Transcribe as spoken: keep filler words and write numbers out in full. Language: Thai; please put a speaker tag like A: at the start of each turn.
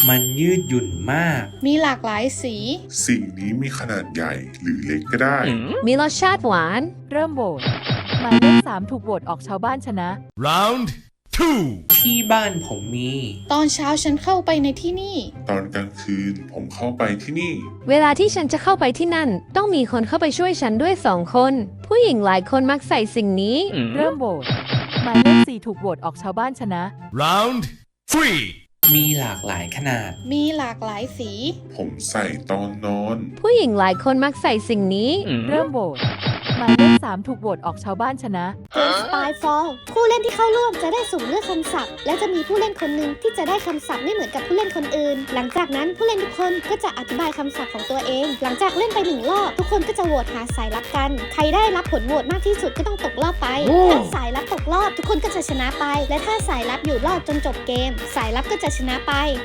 A: มันยืดหยุ่นมาก
B: มีหลากหลายสี
C: สิ่งนี้มีขนาดใหญ่หรือเล็กก็ได้
D: มีรสชาติหวาน
E: เริ่มโหวตหมายเลขสามถูกโหวตออกชาวบ้านชนะ
F: Round two
A: ที่บ้านผมมี
B: ตอนเช้าฉันเข้าไปในที่นี่
C: ตอนกลางคืนผมเข้าไปที่นี่
D: เวลาที่ฉันจะเข้าไปที่นั่น ต้องมีคนเข้าไปช่วยฉันด้วยสองคน ผู้หญิงหลายคนมักใส่สิ่งนี้
E: เริ่มโหวตหมายเลขสี่ถูกโหวตออกชาวบ้านชนะ
F: Round three
A: มีหลากหลายขนาด
B: มีหลากหลายสี
C: ผมใส่ตอนนอน
D: ผู้หญิงหลายคนมักใส่สิ่งนี้
E: เริ่มโหวตหมายเลขสามถูกโหวตออกชาวบ้านชนะ
G: เกมสปายฟอลผู้เล่นที่เข้าร่วมจะได้สุ่มเลือกคำศัพท์ และจะมีผู้เล่นคนหนึ่งที่จะได้คำศัพท์ไม่เหมือนกับผู้เล่นคนอื่น หลังจากนั้นผู้เล่นทุกคนก็จะอธิบายคำศัพท์ของตัวเอง หลังจากเล่นไปหนึ่งรอบทุกคนก็จะโหวตหาสายลับกัน ใครได้รับผลโหวตมากที่สุดก็ต้องตกรอบไป ถ้าสายลับตกรอบทุกคนก็จะชนะไป และถ้าสายลับอยู่รอดจนจบเกม สายลับก็จะชนะไป